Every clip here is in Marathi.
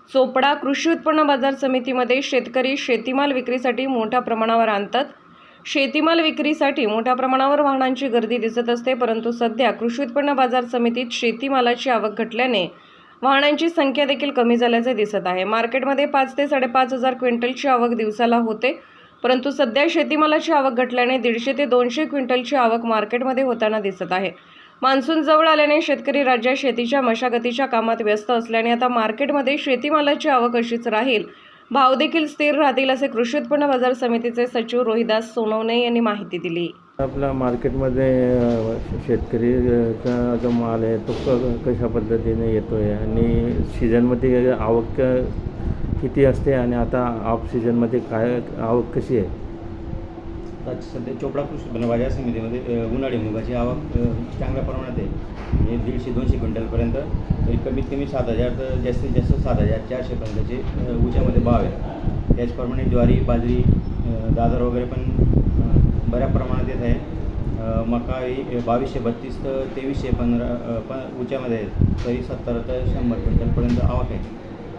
चोपडा कृषी उत्पन्न बाजार समितीमध्ये शेतकरी शेतीमाल विक्रीसाठी मोठ्या प्रमाणावर आणतात। शेतीमाल विक्रीसाठी मोठ्या प्रमाणावर वाहनांची गर्दी दिसत असते, परंतु सध्या कृषी उत्पन्न बाजार समितीत शेतीमालाची आवक घटल्याने वाहनांची संख्या देखील कमी झाल्याचे दिसत आहे। मार्केटमध्ये 5 ते 5.5 हजार क्विंटलची आवक दिवसाला होते, परंतु सध्या शेतीमालाची आवक घटल्याने 150 ते 200 क्विंटलची आवक मार्केटमध्ये होताना दिसत आहे। मान्सून जवळ आल्याने शेतकरी राज्यात शेतीच्या मशागतीच्या कामात व्यस्त असल्याने आता मार्केटमध्ये शेतीमालाची आवक अशीच राहील, भाव देखील स्थिर राहतील, असे कृषी उत्पन्न बाजार समितीचे सचिव रोहिदास सोनवणे यांनी माहिती दिली। आपल्या मार्केटमध्ये शेतकरीचा जो माल आहे तो कशा पद्धतीने येतो आहे आणि सीझनमध्ये आवक किती असते आणि आता ऑफ सीझनमध्ये काय आवक कशी आहे? सध्या चोपडा कृषी उत्पन्न बाजार समितीमध्ये उन्हाळी मुगाची आवक चांगल्या प्रमाणात आहे, म्हणजे 150-200 क्विंटलपर्यंत, तरी कमीत कमी 7,000 तर जास्तीत जास्त 7,400पर्यंतचे उच्यामध्ये भाव आहे। त्याचप्रमाणे ज्वारी, बाजरी, दादर वगैरे पण बऱ्या प्रमाणात येत आहे। मका 2232 तर 2315 उच्यामध्ये आहे, तरी 70 ते 100 क्विंटलपर्यंत आवक आहे।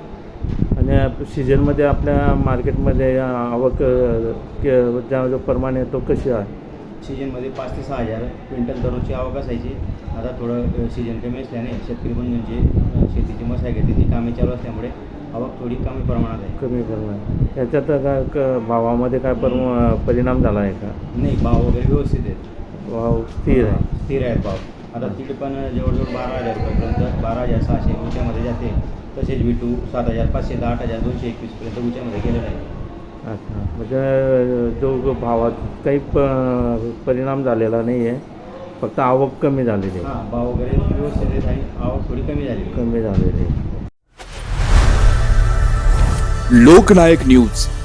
आणि सीझनमध्ये आपल्या मार्केटमध्ये आवक जो प्रमाण आहे तो कशी आहे? सीजनमध्ये 5 ते 6,000 क्विंटल दररोजची आवक असायची। आता थोडं सीजन कमी असल्याने शेतकरी बंधूंची शेतीची मशागतीची कामे चालू असल्यामुळे आवक थोडी कमी प्रमाणात आहे। कमी प्रमाणात त्याच्यात काय भावामध्ये काय परिणाम झाला आहे का? नाही, भाव वगैरे व्यवस्थित आहेत, भाव स्थिर आहे, स्थिर आहेत भाव। आता तिथे पण जवळजवळ 12,000 रुपयापर्यंत 12,600 उच्यामध्ये जाते, तसेच विटू 7,500 ते 8,221पर्यंत उच्यामध्ये गेलेलं आहे। अच्छा, म्हणजे जो भावात काही परिणाम झालेला नाही आहे, फक्त आवक कमी झालेली आहे। हां, भाव वगैरे व्यवस्थित आहेत आणि आवक थोडी कमी झालेली आहे। कमी झालेली आहे। लोकनायक न्यूज